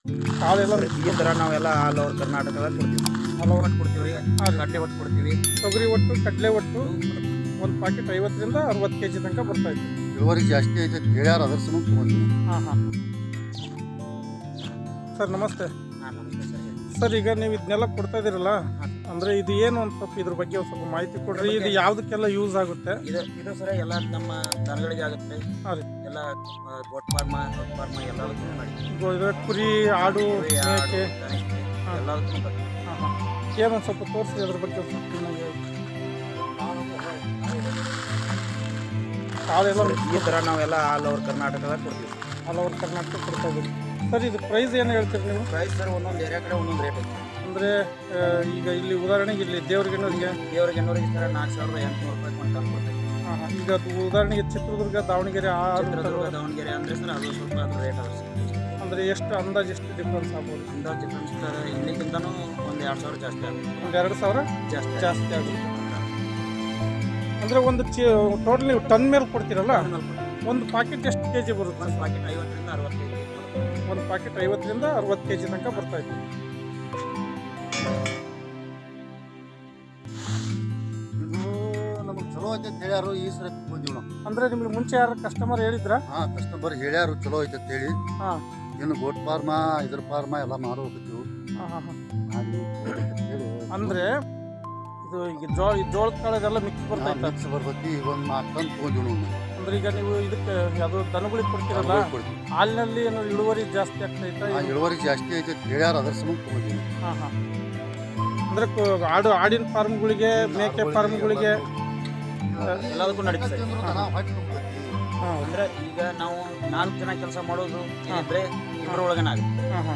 ಕಾಳೆಲ್ಲ ಈ ಥರ ನಾವೆಲ್ಲ ಆಲ್ ಓವರ್ ಕರ್ನಾಟಕದಲ್ಲಿ ಕೊಡ್ತೀವಿ. ಹಲವು ಒಟ್ಟು ಕೊಡ್ತೀವಿ, ಕಡ್ಲೆ ಒಟ್ಟು ಕೊಡ್ತೀವಿ. ತೊಗರಿ ಒಟ್ಟು ಕಡಲೆ ಒಟ್ಟು ಒಂದು ಪ್ಯಾಕೆಟ್ 50ರಿಂದ 60 kg ತನಕ ಬರ್ತಾ ಇತ್ತು. ಇಳುವರಿ ಜಾಸ್ತಿ ಐತೆ ಹೇಳ್ಯಾರ ಅದ್ರ ಸಮ ತೊಗೊಂಡಿವಿ. ಹಾಂ ಸರ್ ನಮಸ್ತೆ. ನಮಸ್ತೆ ಸರ್. ಸರ್ ಈಗ ನೀವು ಇದನ್ನೆಲ್ಲ ಕೊಡ್ತಾ ಇದ್ದೀರಲ್ಲ, ಅಂದರೆ ಇದು ಏನು ಅಂತ ಸ್ವಲ್ಪ ಇದ್ರ ಬಗ್ಗೆ ಒಂದು ಸ್ವಲ್ಪ ಮಾಹಿತಿ ಕೊಡ್ರಿ. ಇದು ಯಾವುದಕ್ಕೆಲ್ಲ ಯೂಸ್ ಆಗುತ್ತೆ? ಇದು ಸರ ಎಲ್ಲ ನಮ್ಮ ದನಗಳಿಗೆ ಆಗುತ್ತೆ. ಹಾಂ ರೀ. ಎಲ್ಲ ಗೋಟ್ ಫಾರ್ಮ ಎಲ್ಲದಕ್ಕೂ ಮಾಡಿ. ಕುರಿ, ಆಡು, ಮೇಕೆ ಎಲ್ಲದಕ್ಕೂ ಬರ್ತದೆ. ಹಾಂ ಏನೊಂದು ಸ್ವಲ್ಪ ತೋರಿಸಿ ಅದ್ರ ಬಗ್ಗೆ ಒಂದು ಸ್ವಲ್ಪ ನನಗೆ. ಕಾಳೆಲ್ಲ ಈ ಥರ ನಾವೆಲ್ಲ ಆಲ್ ಓವರ್ ಕರ್ನಾಟಕದಲ್ಲಿ ಕೊಡ್ತೀವಿ. ಆಲ್ ಓವರ್ ಕರ್ನಾಟಕ ಕೊಡ್ತಾ ಇದ್ದೀವಿ. ಸರ್ ಇದು ಪ್ರೈಸ್ ಏನು ಹೇಳ್ತೀರಿ ನೀವು? ಪ್ರೈಸ್ ಸರ್ ಒಂದೊಂದು ಏರಿಯಾ ಕಡೆ ಒಂದೊಂದು ರೇಟ್ ಐತೆ. ಅಂದರೆ ಈಗ ಇಲ್ಲಿ ಉದಾಹರಣೆಗೆ ಇಲ್ಲಿ ದೇವ್ರಿಗೆಣ್ಣೂರಿಗೆ ಸರ್ 4,800 ರೂಪಾಯಿ ಕ್ವಿಂಟಲ್ ಕೊಡ್ತೀವಿ. ಹಾಂ ಈಗ ಅದು ಉದಾಹರಣೆಗೆ ಚಿತ್ರದುರ್ಗ, ದಾವಣಗೆರೆ ಚಿತ್ರದುರ್ಗ, ದಾವಣಗೆರೆ ಅಂದರೆ ಸರ್ ಅದು ಸ್ವಲ್ಪ ಅದು ರೇಟ್ ಆಗುತ್ತೆ. ಅಂದರೆ ಎಷ್ಟು ಅಂದಾಜು ಎಷ್ಟು ಡಿಫ್ರೆನ್ಸ್ ಆಗ್ಬೋದು? ಅಂದಾಜು ಡಿಫ್ರೆನ್ಸ್ ಸರ್ ಇಲ್ಲಿಗಿಂತನೂ ಒಂದು 2,000 ಜಾಸ್ತಿ ಆಗುತ್ತೆ. ಒಂದು 2,000 ಜಾಸ್ತಿ ಆಗುತ್ತೆ. ಅಂದರೆ ಒಂದು ಟೋಟಲ್ ನೀವು ಟನ್ ಮೇಲೆ ಕೊಡ್ತೀರಲ್ಲ, ಒಂದು ಪ್ಯಾಕೆಟ್ ಎಷ್ಟು kg ಬರುತ್ತೆ? ಒಂದು ಪ್ಯಾಕೆಟ್ 50ರಿಂದ 60 kg. ಒಂದು ಪ್ಯಾಕೆಟ್ 50ರಿಂದ 60 kg ತನಕ ಬರ್ತಾ ಇತ್ತು. ಇದು ನಮಗೆ ಚಲೋ ಐತೆ ಹೇಳ್ಯಾರು, ಈ ಸರಿ ತೊಗೊಂಡಿವಿ ನಾವು. ಅಂದರೆ ನಿಮ್ಗೆ ಮುಂಚೆ ಯಾರು ಕಸ್ಟಮರ್ ಹೇಳಿದ್ರಾ? ಹಾಂ, ಕಸ್ಟಮರ್ ಹೇಳ್ಯಾರು ಚಲೋ ಐತೆ ಹೇಳಿ. ಹಾಂ ಇನ್ನು ಗೋಟ್ ಫಾರ್ಮ ಇದ್ರ ಫಾರ್ಮ ಎಲ್ಲ ಮಾರೋಗಿದ್ದೀವಿ. ಹಾಂ ಹೇಳಿ ಅಂದರೆ ಇದು ಈಗ ಜೋಳದ ಕಾಳದೆಲ್ಲ ಮಿಕ್ಸ್ ಬರ್ತಾ ಇತ್ತು. ಮಿಕ್ಸ್ ಬರ್ತೈತಿ. ಈಗ ಒಂದು 4 ಟನ್ ತೊಗೊಂಡಿವಿ ನಾವು. ಅಂದ್ರೆ ಈಗ ನೀವು ಇದಕ್ಕೆ ಅದು ದನಗಳಿಗೆ ಕೊಡ್ತೀರಲ್ಲ, ಕೊಡ್ತೀವಿ. ಹಾಲಿನಲ್ಲಿ ಏನು ಇಳುವರಿ ಜಾಸ್ತಿ ಆಗ್ತೈತಾ? ಇಳುವರಿ ಜಾಸ್ತಿ ಐತೆ ಹೇಳ್ಯಾರ ಅದ್ರ ಸಮ ತೊಗೊಂಡಿವಿ. ಹಾಂ ಅಂದರೆ ಆಡಿನ ಫಾರ್ಮ್ಗಳಿಗೆ, ಮೇಕೆ ಫಾರ್ಮ್ಗಳಿಗೆ ಎಲ್ಲದಕ್ಕೂ ನಡೀತದೆ. ಹಾಂ ಅಂದ್ರೆ ಈಗ ನಾವು 4 ಜನ ಕೆಲಸ ಮಾಡೋದು ಏನಿದ್ರೆ ಇಬ್ಬರೊಳಗನ ಆಗುತ್ತೆ. ಹಾಂ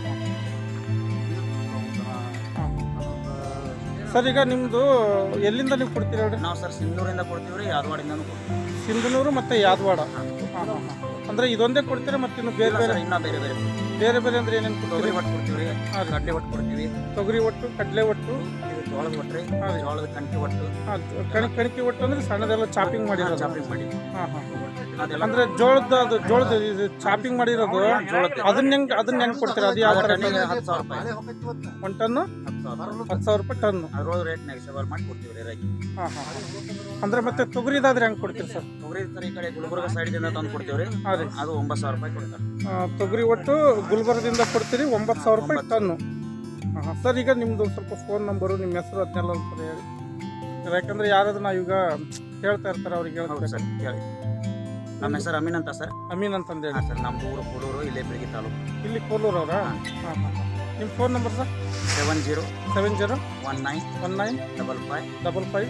ಸರ್ ಈಗ ನಿಮ್ಮದು ಎಲ್ಲಿಂದ ನೀವು ಕೊಡ್ತೀರಿ ಹೇಳ್ರಿ? ನಾವು ಸರ್ ಸಿಂಧೂರಿಂದ ಕೊಡ್ತೀವಿ ರೀ, ಯಾದವಾಡಿಂದನೂ ಕೊಡ್ತೀವಿ. ಸಿಂಧನೂರು ಮತ್ತು ಯಾದವಾಡ. ಅಂದರೆ ಇದೊಂದೇ ಕೊಡ್ತೀರಾ ಮತ್ತು ಇನ್ನು ಬೇರೆ ಬೇರೆ? ಇನ್ನೂ ಬೇರೆ ಬೇರೆ ಅಂದರೆ ಏನೇನು ತೊಗರಿ ಕೊಡ್ತೀರಿ? ಒಟ್ಟು ಕೊಡ್ತೀವಿ ರೀ, ಕಡ್ಲೆ ಒಟ್ಟು ಕೊಡ್ತೀವಿ. ತೊಗರಿ ಒಟ್ಟು, ಕಡಲೆ ಒಟ್ಟು, ಇದು ಜೋಳದ ಒಟ್ಟು ರೀ, ಜೋಳದ ಕಣಕಿ ಒಟ್ಟು. ಕಣಕಿ ಒಟ್ಟು ಅಂದರೆ ಸಣ್ಣದೆಲ್ಲ ಚಾಪಿಂಗ್ ಮಾಡಿರೋದು? ಚಾಪಿಂಗ್ ಮಾಡಿ. ಅದೆಲ್ಲ ಅಂದ್ರೆ ಜೋಳದ ಇದು ಚಾಪಿಂಗ್ ಮಾಡಿರೋದು, ಅದನ್ನ ಹೆಂಗ್ ಕೊಡ್ತೀರಾ? ಅದು ಯಾವ ತರ? 10,000 ರೂಪಾಯಿ. ಒಂದು ಟನ್ನು 10,000 ರೂಪಾಯಿ ಟನ್ನು. ಅದ್ರೊಳಗೆ ರೇಟ್ ನೆಗೆಸಬಲ್ ಮಾಡಿ ಕೊಡ್ತೀವಿ ರೀ ರೈತ. ಅಂದ್ರೆ ಮತ್ತೆ ತೊಗರಿದಾದ್ರೆ ಹೆಂಗ್ ಕೊಡ್ತೀರಿ ಸರ್? ತೊಗರಿ ಸರ್ ಈ ಕಡೆ ಗುಲ್ಬರ್ಗ ಸೈಡ್ದಿಂದ ತಂದು ಕೊಡ್ತೀವಿ ರೀ. ಹಾಂ ರೀ. ಅದು 9,000 ರೂಪಾಯಿ ಕೊಡ್ತಾರೆ. ತೊಗರಿ ಒಟ್ಟು ಗುಲ್ಬರ್ಗದಿಂದ ಕೊಡ್ತೀರಿ 9,000 ರೂಪಾಯಿ ಟನ್ನು. ಸರ್ ಈಗ ನಿಮ್ದು ಸ್ವಲ್ಪ ಫೋನ್ ನಂಬರು, ನಿಮ್ಮ ಹೆಸರು ಅದನ್ನೆಲ್ಲ ಒಂದ್ಸಲ ಹೇಳಿ. ಯಾಕಂದ್ರೆ ಯಾರಾದ್ರೂ ನಾವು ಈಗ ಹೇಳ್ತಾ ಇರ್ತಾರೆ, ಅವ್ರಿಗೆ ಹೇಳ್ತಾರೆ ಸರ್ ಹೇಳಿ. ನಮ್ಮ ಹೆಸರು ಅಮೀನ್ ಅಂತ ಸರ್. ಅಮೀನ್ ಅಂತಂದು ಹೇಳಿ. ಹಾಂ ಸರ್, ನಮ್ಮದು ಊರು ಕೋಲೂರು, ಇಲ್ಲೇ ಬೆಳಗ್ಗೆ ತಾಲೂಕು. ಇಲ್ಲಿ ಕೋಲೂರು ಅವರಾ? ನಿಮ್ಮ ಫೋನ್ ನಂಬರ್ ಸರ್? 7019 19 55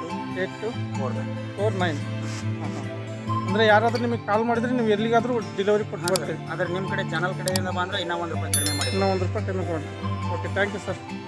8249. ಅಂದರೆ ಯಾರಾದರೂ ನಿಮಗೆ ಕಾಲ್ ಮಾಡಿದ್ರೆ ನೀವು ಎಲ್ಲಿಗಾದರೂ ಡೆಲಿವರಿ ಕೊಟ್ಟು ಬರ್ತೀವಿ. ಆದರೆ ನಿಮ್ಮ ಕಡೆ ಚಾನಲ್ ಕಡೆಯಿಂದ ಬಂದರೆ ಇನ್ನೂ ₹1 ಕಡಿಮೆ ಮಾಡಿ. ಇನ್ನೂ ₹1 ಕಡಿಮೆ ಕೊಡಿ. Okay, thank you sir.